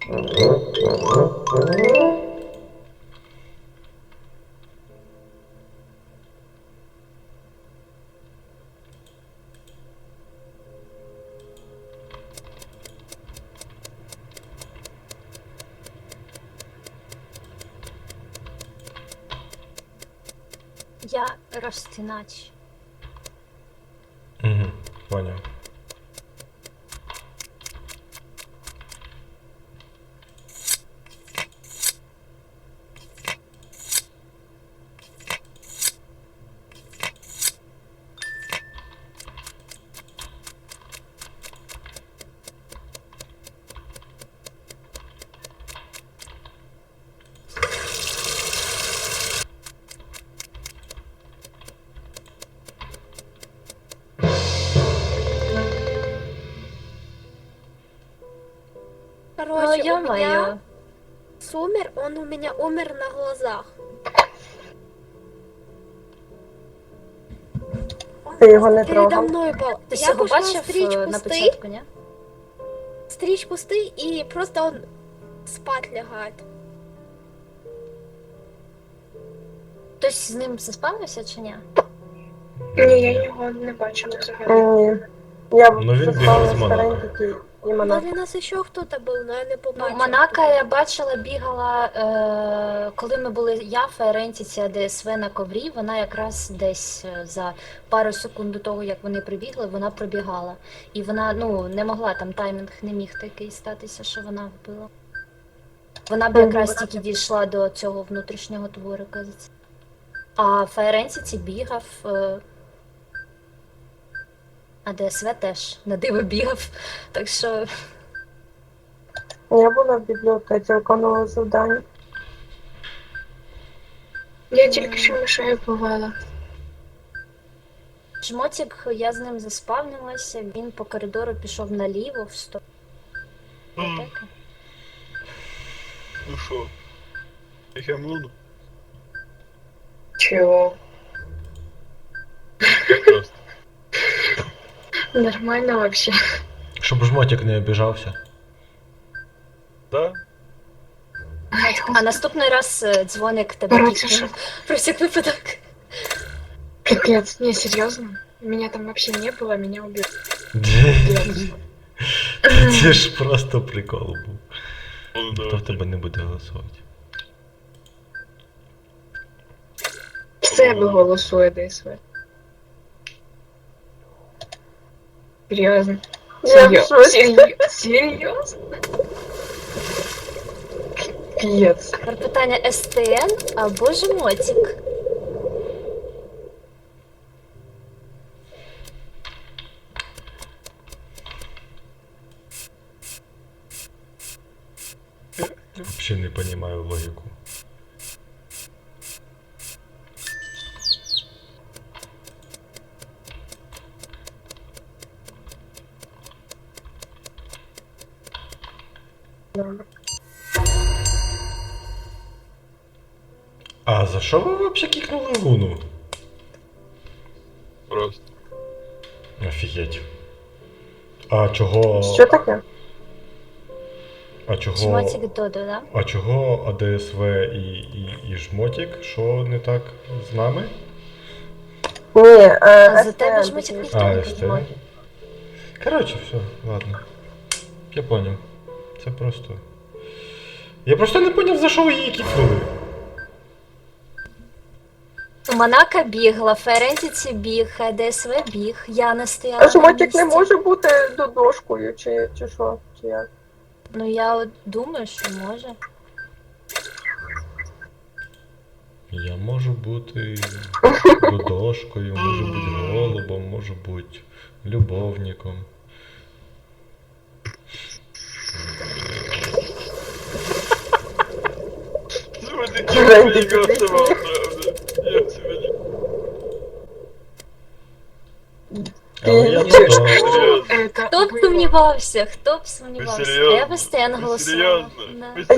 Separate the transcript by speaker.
Speaker 1: Я розтинач.
Speaker 2: Угу, поняв.
Speaker 1: Ну,
Speaker 3: Короче, у меня
Speaker 1: ё-моё.
Speaker 3: Сумер, он у меня умер на глазах. Он
Speaker 4: Ти його
Speaker 3: просто
Speaker 4: не
Speaker 3: передо
Speaker 4: трогав?
Speaker 3: мной был.
Speaker 1: Ти
Speaker 3: Я
Speaker 1: його
Speaker 3: пошла
Speaker 1: бачив
Speaker 3: стричь
Speaker 1: на
Speaker 3: кусты,
Speaker 1: початку, ні?
Speaker 3: и просто он спать лягает.
Speaker 1: Хтось з ним заспавився чи ні?
Speaker 5: Ні, я його не бачила взагалі.
Speaker 4: Ні. Я
Speaker 2: Ну, він бігав
Speaker 4: заспала
Speaker 2: з
Speaker 4: з
Speaker 2: Монако.
Speaker 4: Ферентіті і
Speaker 3: Возле
Speaker 4: Монако.
Speaker 3: нас еще кто-то был, но я не
Speaker 1: Ну,
Speaker 3: побачила.
Speaker 1: Монака
Speaker 3: кто
Speaker 1: я
Speaker 3: это.
Speaker 1: бачила, бігала, коли ми були я, Ферентіця, ДСВ на коврі, вона якраз десь за пару секунд до того, як вони прибігли, вона пробігала. І вона, ну, не могла, там таймінг не міг такий статися, що вона вбила. Вона б якраз тільки дійшла до цього внутрішнього дворика. А Ферентіці бігав, а ДСВ теж на диво бігав, так що...
Speaker 4: Я була в бібліотеці, виконувала завдання.
Speaker 5: Я тільки що мишею вбивала.
Speaker 1: Жмотик, я з ним заспавнилася, він по коридору пішов наліво в сторону бібліотеки.
Speaker 6: Ну що? Я млуну?
Speaker 5: Чого?
Speaker 6: Просто.
Speaker 5: Нормально вообще.
Speaker 2: Щоб жмотик не обіжався.
Speaker 6: Да?
Speaker 1: А наступний раз дзвоник тебе
Speaker 5: Короче,
Speaker 1: кікне. Про всяк випадок.
Speaker 5: Капец, не, серьезно? Меня там вообще не было, меня убили.
Speaker 2: Це ж просто прикол був.
Speaker 6: Ну,
Speaker 2: Хто в
Speaker 6: давай.
Speaker 2: тебе не буде голосувати?
Speaker 5: В себе голосує ДСВ. Серьезно?
Speaker 4: Я в шоці.
Speaker 5: Серьезно? Капец.
Speaker 1: Тепер питання СТН або жмотик.
Speaker 2: Взагалі не розумію логіку. А за що ви взагалі кікнули Луну?
Speaker 6: Просто.
Speaker 2: Офігеть. А чого...
Speaker 4: Що таке?
Speaker 2: А чого...
Speaker 1: Жмотик Додо, да?
Speaker 2: А чого АДСВ і Жмотик? Що не так з нами?
Speaker 4: Ні,
Speaker 1: А за тебе
Speaker 4: СТН.
Speaker 1: жмотик ніхто
Speaker 2: А,
Speaker 1: не
Speaker 2: СТ?
Speaker 1: підіймає.
Speaker 2: Коротше, все, ладно. Я поняв. Це просто... Я просто не поняв, за що ви її кікнули.
Speaker 1: Монака бігла, Ферентіці біг, ДСВ біг, я не стояла
Speaker 4: А
Speaker 1: на
Speaker 4: жмотик не
Speaker 1: місці.
Speaker 4: може бути додошкою, чи що? Чи як?
Speaker 1: Ну я от думаю, що може.
Speaker 2: Я можу бути додошкою, можу бути голубом, можу бути любовником.
Speaker 6: Сегодня
Speaker 4: Ферентіці,
Speaker 6: не голосовал,
Speaker 4: ти
Speaker 6: правда. Я сегодня...
Speaker 2: Але я
Speaker 4: Ти-
Speaker 2: додо.
Speaker 6: Серьезно?
Speaker 5: Это
Speaker 1: Хто б
Speaker 5: было.
Speaker 1: сумнівався, хто б сумнівався.
Speaker 6: серйозно?
Speaker 1: Я би Стен
Speaker 6: Ви
Speaker 1: голосувала.
Speaker 6: серйозно?
Speaker 1: Да.
Speaker 6: Ви